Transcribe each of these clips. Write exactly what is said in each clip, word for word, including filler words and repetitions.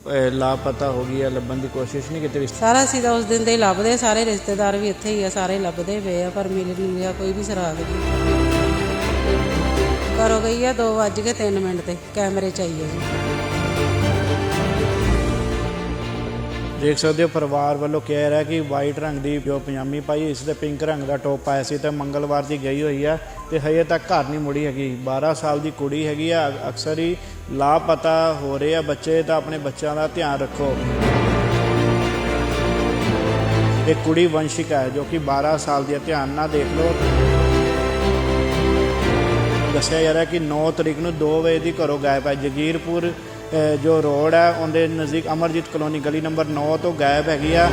ਲਾਪਤਾ ਹੋ ਗਈ ਹੈ, ਲੱਭਣ ਦੀ ਕੋਸ਼ਿਸ਼ ਨਹੀਂ ਕੀਤੀ? ਸਾਰਾ ਅਸੀਂ ਤਾਂ ਉਸ ਦਿਨ ਦੇ ਹੀ ਲੱਭਦੇ, ਸਾਰੇ ਰਿਸ਼ਤੇਦਾਰ ਵੀ ਇੱਥੇ ਹੀ ਆ, ਸਾਰੇ ਲੱਭਦੇ ਪਏ ਆ, ਪਰ ਮਿਲ ਨਹੀਂ ਰਿਹਾ ਕੋਈ ਵੀ ਸੁਰਾਗ ਜੀ। ਘਰੋਂ ਗਈ ਆ ਦੋ ਵੱਜ ਕੇ ਤਿੰਨ ਮਿੰਟ ਤੇ ਕੈਮਰੇ 'ਚ ਆਈ ਹੈ ਜੀ। देख सकते हो परिवार वालों कह रहा है कि वाइट रंग की जो पजामी पाई इस ते पिंक रंग का टॉप पाया सी ते मंगलवार की गई हुई है तो हजे तक घर नहीं मुड़ी हैगी। बारह साल की कुड़ी हैगी है, अक्सर ही लापता हो रहे हैं बच्चे, तो अपने बच्चों का ध्यान रखो। एक कुड़ी वंशिका है जो कि बारह साल की, ध्यान ना देख लो। दस्या जा रहा है कि नौ तरीक को दो बजे की घरों गायब है। जगीरपुर जो रोड है उनके नज़दीक अमरजीत कलोनी गली नंबर नौ तो गायब हैगी आ।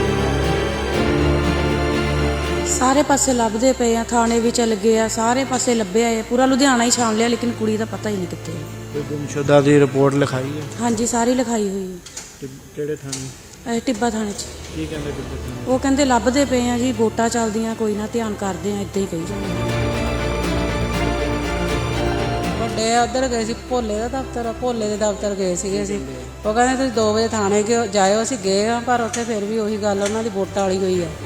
सारे पासे लभदे पे आ, थाने भी चल गए आ, सारे पासे लभे है, पूरा लुधियाना ही छान लिया लेकिन कुड़ी का पता ही नहीं कितने। कोई गुमशुदा की रिपोर्ट लिखाई है? हाँ जी सारी लिखाई हुई है। किहड़े थाने? टिब्बा थाने च। की कहंदे टिब्बा थाने? वो कहंदे लभदे पे आ जी, वोटां चलदियां, कोई ना ध्यान करदे आ, इदां ही कही जांदे। ਵੱਡੇ ਉੱਧਰ ਗਏ ਸੀ, ਭੋਲੇ ਦਾ ਦਫ਼ਤਰ, ਭੋਲੇ ਦੇ ਦਫ਼ਤਰ ਗਏ ਸੀਗੇ ਅਸੀਂ। ਉਹ ਕਹਿੰਦੇ ਤੁਸੀਂ ਦੋ ਵਜੇ ਥਾਣੇ ਜਾਇਓ, ਅਸੀਂ ਗਏ ਹਾਂ ਪਰ ਉੱਥੇ ਫਿਰ ਵੀ ਉਹੀ ਗੱਲ, ਉਹਨਾਂ ਦੀ ਵੋਟਾਂ ਵਾਲੀ ਹੋਈ ਆ।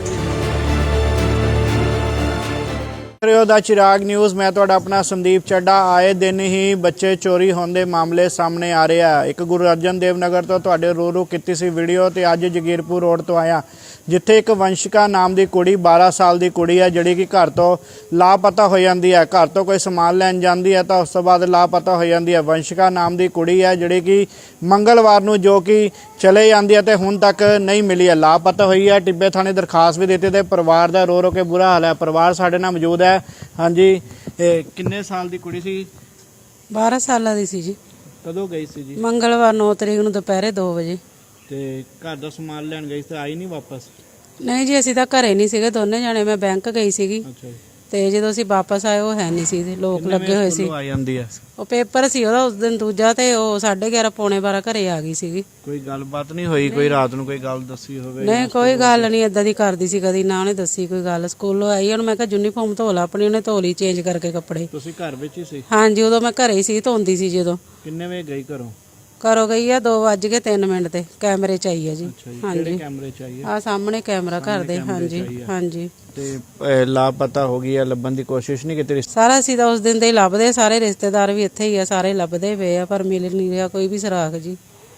ਦਾ चिराग न्यूज़, मैं ਤੁਹਾਡਾ ਆਪਣਾ ਸੰਦੀਪ ਚੱਡਾ। ਆਏ ਦਿਨ ਹੀ ਬੱਚੇ ਚੋਰੀ ਹੋਣ ਦੇ ਮਾਮਲੇ ਸਾਹਮਣੇ ਆ ਰਹੇ ਆ। ਇੱਕ ਗੁਰੂ ਅਰਜਨ ਦੇਵ ਨਗਰ ਤੋਂ ਤੁਹਾਡੇ ਰੂਰੂ ਕੀਤੀ ਸੀ ਵੀਡੀਓ, ਤੇ ਅੱਜ ਜਗੀਰਪੁਰ ਰੋਡ ਤੋਂ ਆਇਆ ਜਿੱਥੇ ਇੱਕ ਵੰਸ਼ਿਕਾ ਨਾਮ ਦੀ ਕੁੜੀ ਬਾਰਾਂ ਸਾਲ ਦੀ ਕੁੜੀ ਹੈ ਜਿਹੜੀ ਕਿ ਘਰ ਤੋਂ ਲਾਪਤਾ ਹੋ ਜਾਂਦੀ ਹੈ। ਘਰ ਤੋਂ ਕੋਈ ਸਮਾਨ ਲੈਣ ਜਾਂਦੀ ਹੈ ਤਾਂ ਉਸ ਤੋਂ ਬਾਅਦ ਲਾਪਤਾ ਹੋ ਜਾਂਦੀ ਹੈ। ਵੰਸ਼ਿਕਾ ਨਾਮ ਦੀ ਕੁੜੀ ਹੈ ਜਿਹੜੀ ਕਿ ਮੰਗਲਵਾਰ ਨੂੰ ਜੋ ਕਿ ਚਲੇ ਜਾਂਦੀ ਹੈ ਤੇ ਹੁਣ ਤੱਕ ਨਹੀਂ ਮਿਲੀ ਹੈ, ਲਾਪਤਾ ਹੋਈ ਹੈ। ਟਿੱਬੇ ਥਾਣੇ ਦਰਖਾਸਤ ਵੀ ਦਿੱਤੀ ਤੇ ਪਰਿਵਾਰ ਦਾ ਰੋ ਰੋ ਕੇ ਬੁਰਾ ਹਾਲ ਹੈ। ਪਰਿਵਾਰ ਸਾਡੇ ਨਾਲ ਮੌਜੂਦ ਹੈ। ਹਾਂਜੀ, ਕਿੰਨੇ ਸਾਲ ਦੀ ਕੁੜੀ ਸੀ? ਬਾਰਾਂ ਸਾਲਾਂ ਦੀ ਸੀ ਜੀ। ਕਦੋਂ ਗਈ ਸੀ ਜੀ? ਮੰਗਲਵਾਰ ਨੌ ਤਰੀਕ ਨੂੰ ਦੁਪਹਿਰੇ ਦੋ ਵਜੇ। ਤੇ ਘਰ ਦਾ ਸਮਾਨ ਲੈਣ ਗਈ ਤੇ ਆਈ ਨਹੀਂ ਵਾਪਸ? ਨਹੀਂ ਜੀ ਅਸੀਂ ਤਾਂ ਘਰੇ ਨਹੀਂ ਸੀਗੇ ਦੋਨੇ ਜਾਣੇ, ਮੈਂ ਬੈਂਕ ਗਈ ਸੀਗੀ ਅੱਛਾ ਜੀ। ਤੇ ਜਦੋਂ ਅਸੀਂ ਵਾਪਸ ਆਏ ਉਹ ਹੈ ਨਹੀਂ ਸੀ, ਲੋਕ ਲੱਗੇ ਹੋਏ ਸੀ। ਆ ਜਾਂਦੀ ਹੈ ਉਹ ਪੇਪਰ ਸੀ ਉਹਦਾ ਉਸ ਦਿਨ ਦੂਜਾ, ਤੇ ਉਹ ਸਾਢੇ ਗਿਆਰਾਂ ਪੌਣੇ ਬਾਰਾਂ ਘਰੇ ਆ ਗਈ ਸੀਗੀ। ਕੋਈ ਗੱਲਬਾਤ ਨਹੀਂ ਹੋਈ? ਕੋਈ ਰਾਤ ਨੂੰ ਕੋਈ ਗੱਲ ਦੱਸੀ ਹੋਵੇ? ਨਹੀਂ ਕੋਈ ਗੱਲ ਨਹੀਂ ਏਦਾਂ ਦੀ ਕਰਦੀ ਸੀ ਕਦੀ, ਨਾ ਉਹਨੇ ਦੱਸੀ ਕੋਈ ਗੱਲ। ਸਕੂਲੋਂ ਆਈ ਉਹਨੂੰ ਮੈਂ ਕਿਹਾ ਯੂਨੀਫਾਰਮ ਧੋ ਲਾ ਆਪਣੀ, ਉਹਨੇ ਧੋ ਲਈ ਚੇਂਜ ਕਰਕੇ ਕੱਪੜੇ। ਤੁਸੀਂ ਘਰ ਵਿੱਚ ਹੀ ਸੀ? ਹਾਂਜੀ ਉਦੋਂ ਮੈਂ ਘਰੇ ਹੀ ਸੀ, ਧੋਂਦੀ ਸੀ ਜਦੋਂ। ਕਿੰਨੇ ਵਜੇ ਗਈ ਘਰੋਂ? ਘਰੋਂ ਗਈ ਆ ਦੋ ਵੱਜ ਕੇ ਤਿੰਨ ਮਿੰਟ ਤੇ ਕੈਮਰੇ 'ਚ ਆਈ ਹੈ ਜੀ। ਹਾਂਜੀ ਕੈਮਰੇ 'ਚ ਆਈ ਹੈ? ਆ ਸਾਹਮਣੇ ਕੈਮਰਾ ਘਰ ਦੇ। ਹਾਂਜੀ ਹਾਂਜੀ। ਤੇ ਲਾਪਤਾ ਹੋ ਗਈ ਹੈ, ਲੱਭਣ ਦੀ ਕੋਸ਼ਿਸ਼ ਨਹੀਂ ਕੀਤੀ? ਸਾਰਾ ਅਸੀਂ ਤਾਂ ਉਸ ਦਿਨ ਦੇ ਹੀ ਲੱਭਦੇ, ਸਾਰੇ ਰਿਸ਼ਤੇਦਾਰ ਵੀ ਇੱਥੇ ਹੀ ਆ, ਸਾਰੇ ਲੱਭਦੇ ਪਏ ਆ, ਪਰ ਮਿਲ ਨਹੀਂ ਰਿਹਾ ਕੋਈ ਵੀ ਸੁਰਾਗ ਜੀ।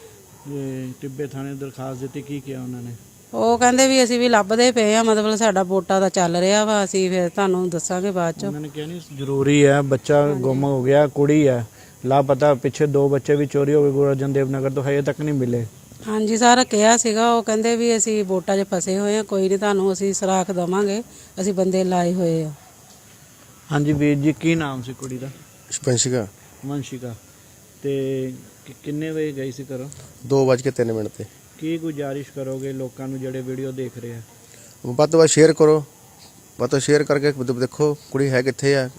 ਟਿੱਬੇ ਥਾਣੇ ਦਰਖਾਸਤ ਦਿੱਤੀ, ਕੀ ਕਿਹਾ ਉਹਨਾਂ ਨੇ? ਉਹ ਕਹਿੰਦੇ ਵੀ ਅਸੀਂ ਵੀ ਲੱਭਦੇ ਪਏ ਆ, ਮਤਲਬ ਸਾਡਾ ਵੋਟਾਂ ਦਾ ਚੱਲ ਰਿਹਾ ਵਾ, ਅਸੀਂ ਫਿਰ ਤੁਹਾਨੂੰ ਦੱਸਾਂਗੇ ਬਾਅਦ 'ਚ। ਉਹਨਾਂ ਨੇ ਕਿਹਾ ਨਹੀਂ ਜ਼ਰੂਰੀ ਹੈ, ਬੱਚਾ ਗੁੰਮ ਹੋ ਗਿਆ, ਕੁੜੀ ਹੈ ਲਾਪਤਾ। ਪਿੱਛੇ ਦੋ ਬੱਚੇ ਵੀ ਚੋਰੀ ਹੋ ਗਏ ਗੁਰੂ ਅਰਜਨ ਦੇਵ ਨਗਰ ਤੋਂ, ਹਜੇ ਤੱਕ ਨਹੀਂ ਮਿਲੇ। ਹਾਂਜੀ ਸਾਰਾ ਕਿਹਾ ਸੀਗਾ, ਉਹ ਕਹਿੰਦੇ ਵੀ ਅਸੀਂ ਵੋਟਾਂ 'ਚ ਫਸੇ ਹੋਏ ਆ, ਕੋਈ ਨਹੀਂ ਤੁਹਾਨੂੰ ਅਸੀਂ ਸੁਰਾਖ ਦੇਵਾਂਗੇ, ਅਸੀਂ ਬੰਦੇ ਲਾਏ ਹੋਏ ਆ। ਹਾਂਜੀ ਵੀਰ ਜੀ, ਕੀ ਨਾਮ ਸੀ ਕੁੜੀ ਦਾ? ਵੰਸ਼ਿਕਾ। ਵੰਸ਼ਿਕਾ। ਤੇ ਕਿੰਨੇ ਵਜੇ ਗਈ ਸੀ ਘਰੋਂ? ਦੋ ਵੱਜ ਕੇ ਤਿੰਨ ਮਿੰਟ ਤੇ। ਕੀ ਗੁਜ਼ਾਰਿਸ਼ ਕਰੋਗੇ ਲੋਕਾਂ ਨੂੰ ਜਿਹੜੇ ਵੀਡੀਓ ਦੇਖ ਰਹੇ ਆ? ਵੱਧ ਤੋਂ ਵੱਧ ਸ਼ੇਅਰ ਕਰੋ, ਵੱਧ ਤੋਂ ਸ਼ੇਅਰ ਕਰਕੇ ਦੇਖੋ ਕੁੜੀ ਹੈ ਕਿੱਥੇ ਆ।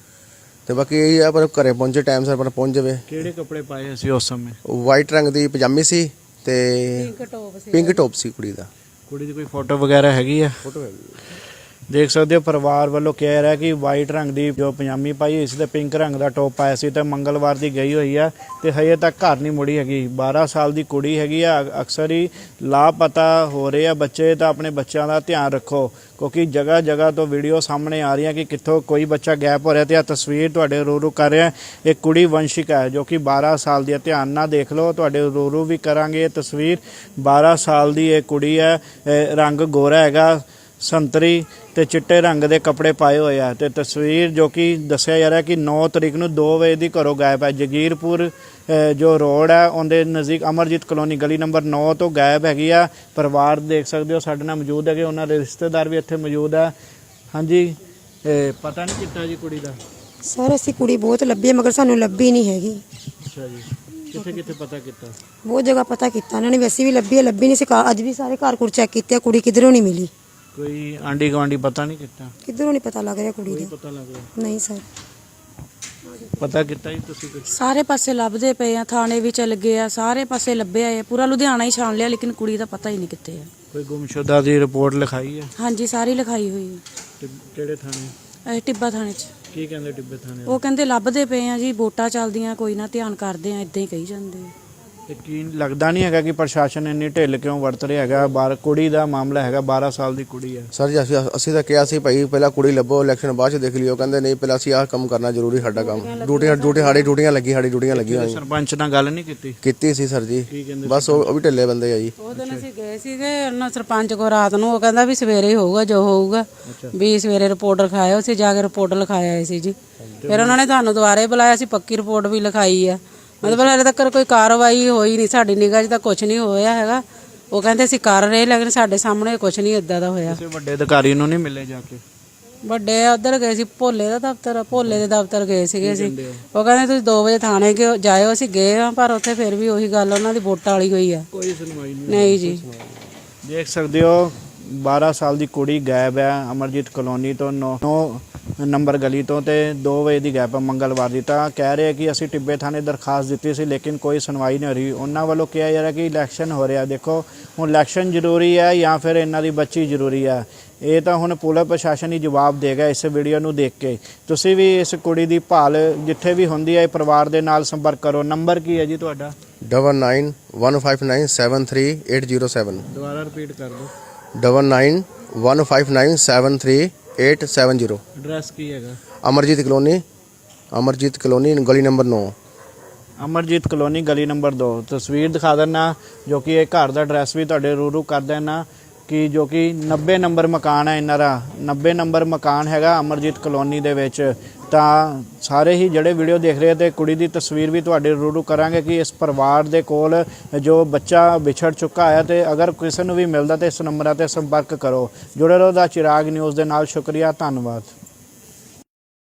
ਤੇ ਬਾਕੀ ਇਹ ਆ ਪਰ ਘਰੇ ਪਹੁੰਚੇ ਟਾਈਮ ਸਿਰ ਪਰ ਪਹੁੰਚ ਜਾਵੇ। ਕਿਹੜੇ ਕੱਪੜੇ ਪਾਏ ਸੀ ਉਸ ਸਮੇਂ? ਵਾਈਟ ਰੰਗ ਦੀ ਪਜਾਮੀ ਸੀ ਤੇ ਪਿੰਕ ਟੌਪ ਸੀ। ਪਿੰਕ ਟੌਪ ਸੀ ਕੁੜੀ ਦਾ। ਕੁੜੀ ਦੀ ਕੋਈ ਫੋਟੋ ਵਗੈਰਾ ਹੈਗੀ ਆ? ਫੋਟੋ ਹੈਗੀ। देख सकते हो परिवार वालों कह रहा है कि वाइट रंग की जो पजामी पाई इस ते पिंक रंग का टॉप पाया सी ते मंगलवार की गई हुई है तो हजे तक घर नहीं मुड़ी हैगी। बारह साल की कुड़ी हैगी है, अक्सर ही लापता हो रहे हैं बच्चे, तो अपने बच्चों का ध्यान रखो क्योंकि जगह जगह तो वीडियो सामने आ रही है कि कितों कोई बच्चा गैप हो रहा है। तो यह तस्वीर तुहाडे रूरू कर रहे हैं। एक कुड़ी वंशिका है जो कि बारह साल की, ध्यान ना देख लो, तुहाडे रूरू भी करांगे। तस्वीर बारह साल की एक कुड़ी है, रंग गोरा हैगा, संतरी ਤੇ ਚਿੱਟੇ ਰੰਗ ਦੇ ਕੱਪੜੇ ਪਾਏ ਹੋਏ ਆ। ਤੇ ਤਸਵੀਰ ਜੋ ਕਿ ਦੱਸਿਆ ਜਾ ਰਿਹਾ ਕਿ ਨੌ ਤਰੀਕ ਨੂੰ ਦੋ ਵਜੇ ਦੀ ਘਰੋਂ ਗਾਇਬ ਹੈ। ਜਗੀਰਪੁਰ ਜੋ ਰੋਡ ਹੈ ਉਹਦੇ ਨਜ਼ਦੀਕ ਅਮਰਜੀਤ ਕਲੋਨੀ ਗਲੀ ਨੰਬਰ ਨੌ ਤੋਂ ਗਾਇਬ ਹੈਗੀ ਆ। ਪਰਿਵਾਰ ਦੇਖ ਸਕਦੇ ਹੋ ਸਾਡੇ ਨਾਲ ਮੌਜੂਦ ਹੈਗੇ, ਉਹਨਾਂ ਦੇ ਰਿਸ਼ਤੇਦਾਰ ਵੀ ਇੱਥੇ ਮੌਜੂਦ ਹੈ। ਹਾਂਜੀ, ਪਤਾ ਨਹੀਂ ਕੀਤਾ ਜੀ ਕੁੜੀ ਦਾ? ਸਰ ਅਸੀਂ ਕੁੜੀ ਬਹੁਤ ਲੱਭੀ ਮਗਰ ਸਾਨੂੰ ਲੱਭੀ ਨਹੀਂ ਹੈਗੀ। ਅੱਛਾ ਜੀ, ਕਿੱਥੇ ਕਿੱਥੇ ਪਤਾ ਕੀਤਾ? ਬਹੁਤ ਜਗ੍ਹਾ ਪਤਾ ਕੀਤਾ ਉਹਨਾਂ ਨੇ, ਵੈਸੇ ਵੀ ਲੱਭੀ ਹੈ, ਲੱਭੀ ਨਹੀਂ ਸੀ। ਅੱਜ ਵੀ ਸਾਰੇ ਘਰ ਘੁਰ ਚੈੱਕ ਕੀਤੇ, ਕੁੜੀ ਕਿਧਰੋਂ ਨਹੀਂ ਮਿਲੀ। ਕੋਈ ਆਂਢੀ ਗੁਆਂਢੀ ਪਤਾ ਨਹੀਂ ਕੀਤਾ? ਕਿਧਰੋਂ ਨਹੀਂ ਪਤਾ ਲੱਗ ਰਿਹਾ ਕੁੜੀ ਦਾ। ਪਤਾ ਲੱਗ ਰਿਹਾ ਨਹੀਂ ਸਰ। ਪਤਾ ਕੀਤਾ ਜੀ ਤੁਸੀਂ ਕੁਝ? ਸਾਰੇ ਪਾਸੇ ਲੱਭਦੇ ਪਏ ਆ, ਥਾਣੇ ਵੀ ਚਲ ਗਏ ਆ, ਸਾਰੇ ਪਾਸੇ ਲੱਭਿਆ ਹੈ, ਪੂਰਾ ਲੁਧਿਆਣਾ ਹੀ ਛਾਣ ਲਿਆ ਲੇਕਿਨ ਕੁੜੀ ਦਾ ਪਤਾ ਹੀ ਨਹੀਂ ਕਿੱਥੇ ਆ। ਕੋਈ ਗੁੰਮਸ਼ੁਦਾ ਦੀ ਰਿਪੋਰਟ ਲਿਖਾਈ ਹੈ? ਹਾਂਜੀ ਸਾਰੀ ਲਿਖਾਈ ਹੋਈ ਹੈ। ਕਿਹੜੇ ਥਾਣੇ? ਟਿੱਬਾ ਥਾਣੇ 'ਚ। ਕੀ ਕਹਿੰਦੇ ਟਿੱਬੇ ਥਾਣੇ? ਉਹ ਕਹਿੰਦੇ ਲੱਭਦੇ ਪਏ ਆ ਜੀ, ਵੋਟਾਂ ਚੱਲਦੀਆਂ, ਕੋਈ ਨਾ ध्यान ਕਰਦੇ ਆ, ਇਦਾਂ ਹੀ ਕਹੀ ਜਾਂਦੇ ਆ। ਤੇ ਕੀ ਲੱਗਦਾ ਨਹੀਂ ਹੈਗਾ ਕਿ ਪ੍ਰਸ਼ਾਸਨ ਇੰਨੀ ਢਿੱਲ ਕਿਉਂ ਵਰਤ ਰਿਹਾ ਹੈਗਾ? ਬਾਰ ਕੁੜੀ ਦਾ ਮਾਮਲਾ ਹੈਗਾ, ਬਾਰਾਂ ਸਾਲ ਦੀ ਕੁੜੀ ਹੈ। ਸਰ ਜੀ ਅਸੀਂ ਅਸੀਂ ਤਾਂ ਕਿਹਾ ਸੀ ਭਾਈ ਪਹਿਲਾਂ ਕੁੜੀ ਲੱਭੋ, ਇਲੈਕਸ਼ਨ ਬਾਅਦ ਚ ਦੇਖ ਲਿਓ। ਕਹਿੰਦੇ ਨਹੀਂ ਪਹਿਲਾਂ ਅਸੀਂ ਆਹ ਕੰਮ ਕਰਨਾ ਜ਼ਰੂਰੀ, ਸਾਡਾ ਕੰਮ ਡਿਊਟੀਆਂ ਡਿਊਟੀ ਸਾਡੀ ਡਿਊਟੀਆਂ ਲੱਗੀ ਸਾਡੀ ਡਿਊਟੀਆਂ ਲੱਗੀਆਂ ਹੋਈਆਂ। ਸਰਪੰਚ ਨਾਲ ਗੱਲ ਨਹੀਂ ਕੀਤੀ? ਕੀਤੀ ਸੀ ਸਰ ਜੀ, ਕੀ ਕਹਿੰਦੇ? ਬਸ ਉਹ ਉਹ ਵੀ ਢਿੱਲੇ ਬੰਦੇ ਆ ਜੀ। ਉਹ ਦਿਨ ਅਸੀਂ ਗਏ ਸੀਗੇ ਉਹਨਾਂ ਸਰਪੰਚ ਕੋ ਰਾਤ ਨੂੰ, ਉਹ ਕਹਿੰਦਾ ਵੀ ਸਵੇਰੇ ਹੀ ਹੋਊਗਾ ਜੋ ਹੋਊਗਾ, ਵੀ ਸਵੇਰੇ ਰਿਪੋਰਟ ਲਿਖਾਇਓ। ਅਸੀਂ ਜਾ ਕੇ ਰਿਪੋਰਟ ਲਿਖਾਇਆ ਆਏ ਸੀ ਜੀ। ਫਿਰ ਉਹਨਾਂ ਨੇ ਤੁਹਾਨੂੰ ਦੁਬਾਰੇ ਬੁਲਾਇਆ ਸੀ, ਪੱਕੀ ਰਿਪੋਰਟ ਵੀ ਲਿਖਾਈ ਆ। ਮਤਲਬ ਹਲੇ ਤੱਕ ਕੋਈ ਕਾਰਵਾਈ ਹੋਈ ਨਹੀਂ, ਸਾਡੀ ਨਿਗਾਹ 'ਚ ਤਾਂ ਕੁਝ ਨਹੀਂ ਹੋਇਆ ਹੈਗਾ। ਉਹ ਕਹਿੰਦੇ ਅਸੀਂ ਕਰ ਰਹੇ, ਲੇਕਿਨ ਸਾਡੇ ਸਾਹਮਣੇ ਕੁਝ ਨਹੀਂ ਇਦਾਂ ਦਾ ਹੋਇਆ। ਕਿਸੇ ਵੱਡੇ ਅਧਿਕਾਰੀ ਨੂੰ ਨਹੀਂ ਮਿਲੇ ਜਾ ਕੇ? ਵੱਡੇ ਉੱਧਰ ਗਏ ਸੀ, ਭੋਲੇ ਦਾ ਦਫ਼ਤਰ, ਭੋਲੇ ਦੇ ਦਫ਼ਤਰ ਗਏ ਸੀਗੇ ਅਸੀਂ। ਉਹ ਕਹਿੰਦੇ ਤੁਸੀਂ ਦੋ ਵਜੇ ਥਾਣੇ ਕਿ ਜਾਇਓ। ਅਸੀਂ ਗਏ ਆ, ਪਰ ਉੱਥੇ ਫਿਰ ਵੀ ਉਹੀ ਗੱਲ, ਉਹਨਾਂ ਦੀ ਵੋਟਾਂ ਵਾਲੀ ਹੋਈ ਆ। ਕੋਈ ਸੁਣਵਾਈ ਨਹੀਂ ਨਹੀਂ ਜੀ। ਦੇਖ ਸਕਦੇ ਹੋ ਬਾਰਾਂ ਸਾਲ ਦੀ ਕੁੜੀ ਗਾਇਬ ਹੈ ਅਮਰਜੀਤ ਕਲੋਨੀ ਤੋਂ, ਨੌ ਨੰਬਰ ਗਲੀ ਤੋਂ, ਤੇ ਦੋ ਵਜੇ ਦੀ ਗਾਇਬ ਹੈ ਮੰਗਲਵਾਰ ਦੀ। ਤਾਂ ਕਹਿ ਰਹੇ ਕਿ ਅਸੀਂ ਟਿੱਬੇ ਥਾਣੇ ਦਰਖਾਸਤ ਦਿੱਤੀ ਸੀ, ਲੇਕਿਨ ਕੋਈ ਸੁਣਵਾਈ ਨਹੀਂ ਹੋ ਰਹੀ। ਉਹਨਾਂ ਵੱਲੋਂ ਕਿਹਾ ਜਾ ਰਿਹਾ ਕਿ ਇਲੈਕਸ਼ਨ ਹੋ ਰਿਹਾ। ਦੇਖੋ ਹੁਣ ਇਲੈਕਸ਼ਨ ਜ਼ਰੂਰੀ ਹੈ ਜਾਂ ਫਿਰ ਇਹਨਾਂ ਦੀ ਬੱਚੀ ਜ਼ਰੂਰੀ ਹੈ, ਇਹ ਤਾਂ ਹੁਣ ਪੁਲਿਸ ਪ੍ਰਸ਼ਾਸਨ ਹੀ ਜਵਾਬ ਦੇਗਾ ਇਸ ਵੀਡੀਓ ਨੂੰ ਦੇਖ ਕੇ। ਤੁਸੀਂ ਵੀ ਇਸ ਕੁੜੀ ਦੀ ਭਾਲ ਜਿੱਥੇ ਵੀ ਹੁੰਦੀ ਹੈ ਪਰਿਵਾਰ ਦੇ ਨਾਲ ਸੰਪਰਕ ਕਰੋ। ਨੰਬਰ ਕੀ ਹੈ ਜੀ ਤੁਹਾਡਾ? Double nine one five nine seven three eight zero seven. ਦੁਬਾਰਾ ਰਿਪੀਟ ਕਰ ਦਿਓ। Double nine one five nine seven three eight seven zero. Address ਕੀ ਹੈਗਾ? ਅਮਰਜੀਤ ਕਲੋਨੀ, ਅਮਰਜੀਤ ਕਲੋਨੀ ਗਲੀ ਨੰਬਰ ਨੌ। ਅਮਰਜੀਤ ਕਲੋਨੀ ਗਲੀ ਨੰਬਰ ਦੋ। ਤਸਵੀਰ ਦਿਖਾ ਦਿੰਦਾ ਜੋ ਕਿ ਇਹ ਘਰ ਦਾ ਐਡਰੈਸ ਵੀ ਤੁਹਾਡੇ ਰੂਰੂ ਕਰ ਦੇਣਾ, ਕਿ ਜੋ ਕਿ ਨੱਬੇ ਨੰਬਰ ਮਕਾਨ ਹੈ ਇਹਨਾਂ ਦਾ। ਨੱਬੇ ਨੰਬਰ ਮਕਾਨ ਹੈਗਾ ਅਮਰਜੀਤ ਕਲੋਨੀ ਦੇ ਵਿੱਚ। ਤਾਂ ਸਾਰੇ ਹੀ ਜਿਹੜੇ ਵੀਡੀਓ ਦੇਖ ਰਹੇ ਤੇ ਕੁੜੀ ਦੀ ਤਸਵੀਰ ਵੀ ਤੁਹਾਡੇ ਰੂਰੂ ਕਰਾਂਗੇ ਕਿ ਇਸ ਪਰਿਵਾਰ ਦੇ ਕੋਲ ਜੋ ਬੱਚਾ ਵਿਛੜ ਚੁੱਕਾ ਹੈ। ਤੇ ਅਗਰ ਕਿਸੇ ਨੂੰ ਵੀ ਮਿਲਦਾ ਤੇ ਇਸ ਨੰਬਰਾਂ ਤੇ ਸੰਪਰਕ ਕਰੋ। ਜੁੜੇ ਰਹੋ ਦਾ ਚਿਰਾਗ ਨਿਊਜ਼ ਦੇ ਨਾਲ। ਸ਼ੁਕਰੀਆ, ਧੰਨਵਾਦ।